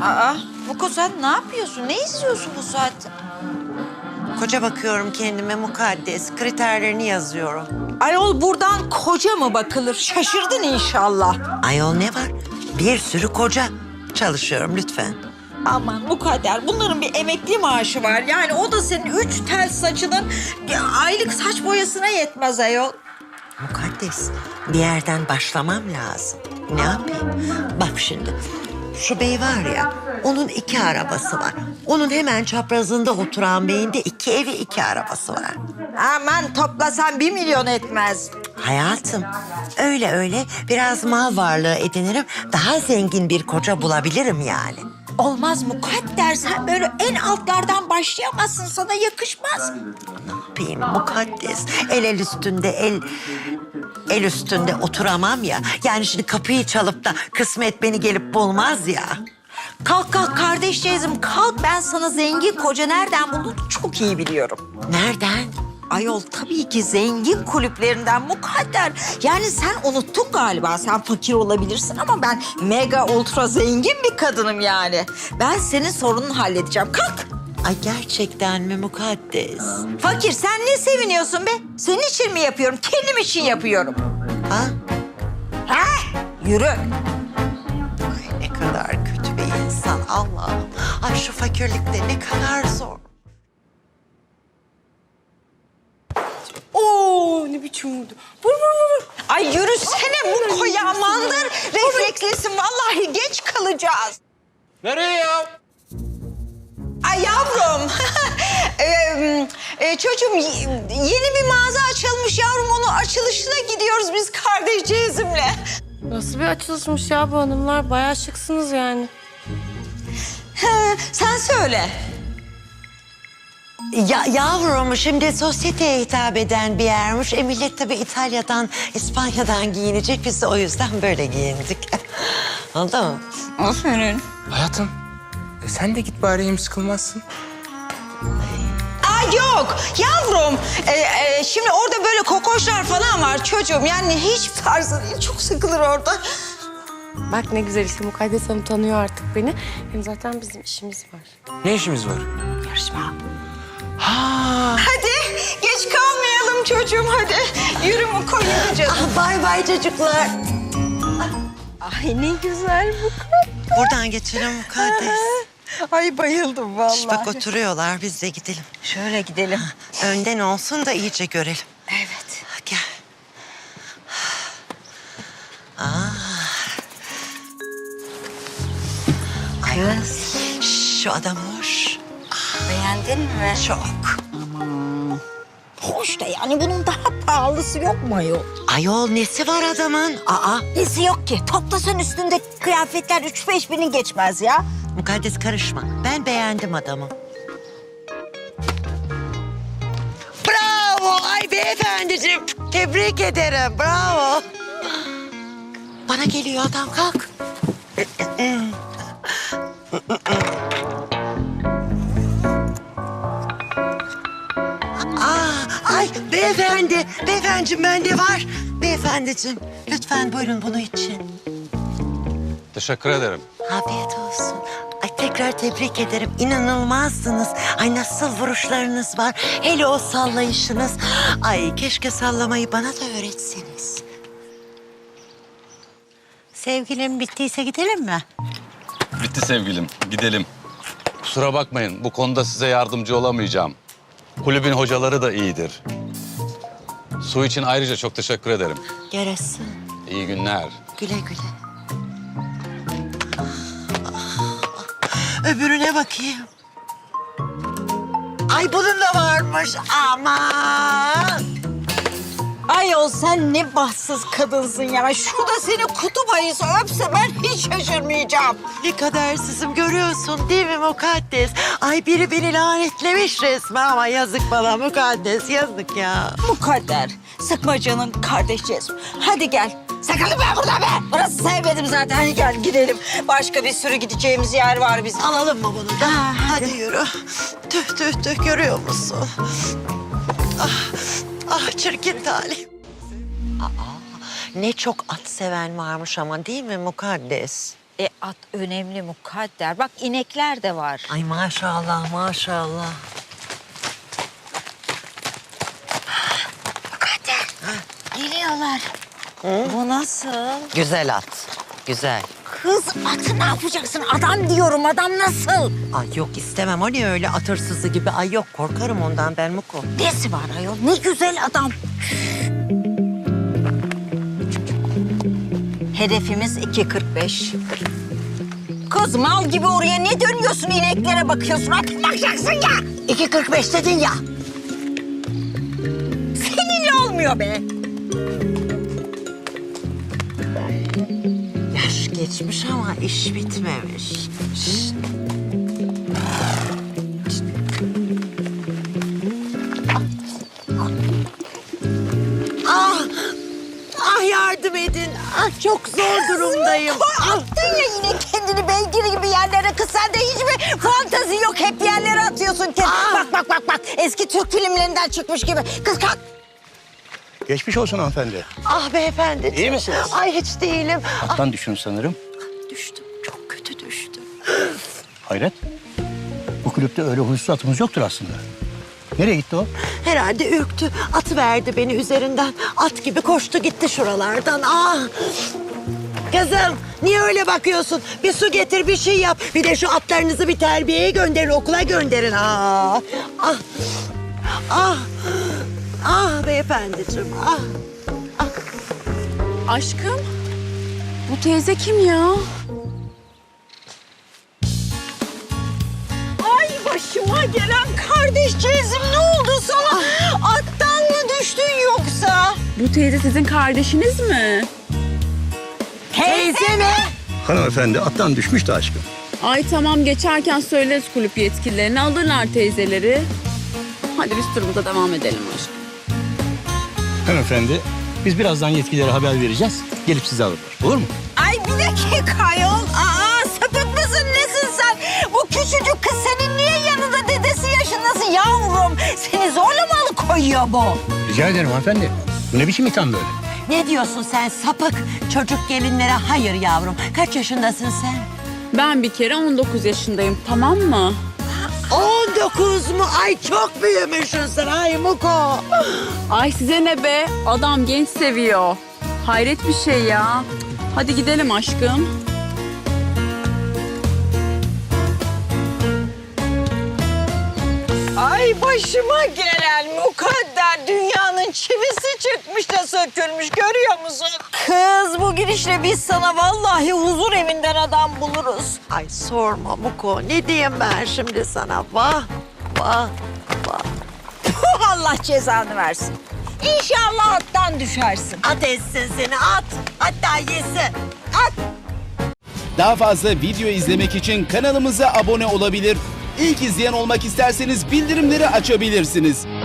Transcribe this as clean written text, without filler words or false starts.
Muko sen ne yapıyorsun? Ne istiyorsun bu saatte? Koca bakıyorum kendime mukaddes. Kriterlerini yazıyorum. Ayol buradan koca mı bakılır? Şaşırdın inşallah. Ayol ne var? Bir sürü koca. Çalışıyorum lütfen. Aman mukadder bunların bir emekli maaşı var. Yani o da senin 3 tel saçının aylık saç boyasına yetmez ayol. Mukaddes, bir yerden başlamam lazım. Ne yapayım? Bak şimdi, şu bey var ya, onun 2 arabası var. Onun hemen çaprazında oturan beyin de 2 evi 2 arabası var. Aman toplasan 1 milyon etmez. Hayatım, öyle biraz mal varlığı edinirim. Daha zengin bir koca bulabilirim yani. Olmaz mukadder sen böyle en altlardan başlayamazsın, sana yakışmaz. Ne yapayım mukaddes? El üstünde el üstünde oturamam ya. Yani şimdi kapıyı çalıp da kısmet beni gelip bulmaz ya. Kalk kardeşciğizim kalk, ben sana zengin koca nereden buldum çok iyi biliyorum. Nereden? Ayol tabii ki zengin kulüplerinden mukadder. Yani sen unuttun galiba, sen fakir olabilirsin ama ben mega ultra zengin bir kadınım yani. Ben senin sorununu halledeceğim, kalk. Ay gerçekten mi mukaddes? Fakir sen ne seviniyorsun be? Senin için mi yapıyorum, kendim için yapıyorum. Ha? Ha? Yürü. Ay ne kadar kötü bir insan Allah'ım. Ay şu fakirlikte ne kadar zor. Oo ne biçim vurdu. Vur. Ay yürüsene Muko ya, mandır reflekslisin. Vallahi geç kalacağız. Nereye ya? Ay yavrum. Çocuğum yeni bir mağaza açılmış yavrum. Onun açılışına gidiyoruz biz kardeşcağızımla. Nasıl bir açılışmış ya bu hanımlar? Bayağı şıksınız yani. Sen söyle. Ya yavrum şimdi sosyeteye hitap eden bir yermiş. Millet tabii İtalya'dan, İspanya'dan giyinecek. Biz de o yüzden böyle giyindik. Oldu mu? Aferin. Hayatım, sen de git bari hem sıkılmazsın. Ay yok yavrum. Şimdi orada böyle kokoşlar falan var çocuğum. Yani hiç tarzı değil. Çok sıkılır orada. Bak ne güzel işte Mukaddes Hanım tanıyor artık beni. Hem zaten bizim işimiz var. Ne işimiz var? Yarışma. Ha, Hadi geç kalmayalım çocuğum hadi. Yürü Muko yürü canım. Bay bay çocuklar. Ay ne güzel bu. Buradan geçelim mukaddes. Ay bayıldım vallahi. Şş, bak oturuyorlar biz de gidelim. Şöyle gidelim. Önden olsun da iyice görelim. Evet. Gel. Kız Şş, şu adam hoş. beğendin mi? Çok. Hoş da yani bunun daha pahalısı yok mu ayol? Ayol nesi var adamın? Aa, Nesi yok ki? Toplasan üstünde kıyafetler 3-5 binin geçmez ya. mukaddes karışma. Ben beğendim adamı. Bravo! Ay beyefendiciğim. Tebrik ederim. Bravo. Bana geliyor adam. Kalk. Ay beyefendi. Beyefendiciğim bende var. Beyefendiciğim lütfen buyurun bunu için. teşekkür ederim. Afiyet olsun. Ay tekrar tebrik ederim. İnanılmazsınız. Ay nasıl vuruşlarınız var. Hele o sallayışınız. Ay keşke sallamayı bana da öğretseniz. Sevgilim bittiyse gidelim mi? Bitti sevgilim, gidelim. Kusura bakmayın, bu konuda size yardımcı olamayacağım. Kulübün hocaları da iyidir. Su için ayrıca çok teşekkür ederim. Yarasın. İyi günler. Güle güle. Öbürüne bakayım. Ay bunun da varmış. Aman. Ayol sen ne bahtsız kadınsın ya. Şurada seni kutup ayısı öpse ben hiç şaşırmayacağım. Ne kadersizim görüyorsun değil mi mukaddes? Ay biri beni lanetlemiş resmen ama yazık bana mukaddes yazık ya. Mukadder, sıkma canın kardeşciğiz. Hadi gel. Sakın ben burada be. Burası sevmedim zaten. Hadi gel gidelim. Başka bir sürü gideceğimiz yer var bizim. Alalım mı bunu da? Hadi yürü. Tüh görüyor musun? Ah çirkin talih. Ne çok at seven varmış ama değil mi mukaddes? At önemli Mukadder. Bak inekler de var. Ay maşallah maşallah. Mukadder. Geliyorlar. Bu nasıl? Güzel at. Güzel. Kız atı ne yapacaksın? Adam diyorum, adam nasıl? Ay yok istemem. O ne öyle at hırsızı gibi? Ay yok korkarım ondan ben Muko. Nesi var ayol? Ne güzel adam. Hedefimiz 2.45. Kız mal gibi oraya ne dönüyorsun, ineklere bakıyorsun? Artık bakacaksın ya. 2.45 dedin ya. Seninle olmuyor be. Yaş geçmiş ama iş bitmemiş. Şşt. Ah! Ah yardım edin. Ah çok zor durumdayım. Attın ya yine kendini beygir gibi yerlere. Kız sende hiçbir fantazi yok. Hep yerlere atıyorsun kendini. Bak. Eski Türk filmlerinden çıkmış gibi. Kız kalk. Geçmiş olsun hanımefendi. Ah beyefendi. İyi misiniz? Ay hiç değilim. Attan düştün sanırım. Düştüm. Çok kötü düştüm. Hayret. Bu kulüpte öyle huysuz atımız yoktur aslında. Nereye gitti o? Herhalde ürktü. Atı verdi beni üzerinden. At gibi koştu gitti şuralardan. Ah! Kızım niye öyle bakıyorsun? Bir su getir bir şey yap. Bir de şu atlarınızı bir terbiyeye gönderin, okula gönderin. Ah! Ah! Ah! Ah beyefendiciğim ah! Aşkım, bu teyze kim ya? Ay başıma gelen kardeşciğizim, ne oldu sana? Attan mı düştün yoksa? Bu teyze sizin kardeşiniz mi? Teyze mi? Hanımefendi attan düşmüş de aşkım. Ay tamam, geçerken söyleriz kulüp yetkililerine, alırlar teyzeleri. Hadi biz turumuza devam edelim aşkım. Hanımefendi biz birazdan yetkililere haber vereceğiz. Gelip sizi alırlar. Olur mu? Ay bir dakika ayol. Sapık mısın nesin sen? Bu küçücük kız senin niye yanında, dedesi yaşındasın yavrum? Seni zorla mı alıkoyuyor bu? Rica ederim hanımefendi. Bu ne biçim itham böyle? Ne diyorsun sen sapık? Çocuk gelinlere hayır yavrum. Kaç yaşındasın sen? Ben bir kere 19 yaşındayım, tamam mı? 19 mu? Ay çok büyümüşsün sen. Ay Muko. Ay size ne be? Adam genç seviyor. Hayret bir şey ya. Hadi gidelim aşkım. Ay başıma gelen Mukadder, dünyanın çivisi çıkmış da sökülmüş, görüyor musun? Kız bu girişle biz sana vallahi huzur evinden adam buluruz. Ay sorma Muko. Ne diyeyim ben şimdi sana? Vah, vah, vah. Allah cezanı versin. İnşallah attan düşersin. At etsin seni at. Hatta yesin. At. Daha fazla video izlemek için kanalımıza abone olabilir. İlk izleyen olmak isterseniz bildirimleri açabilirsiniz.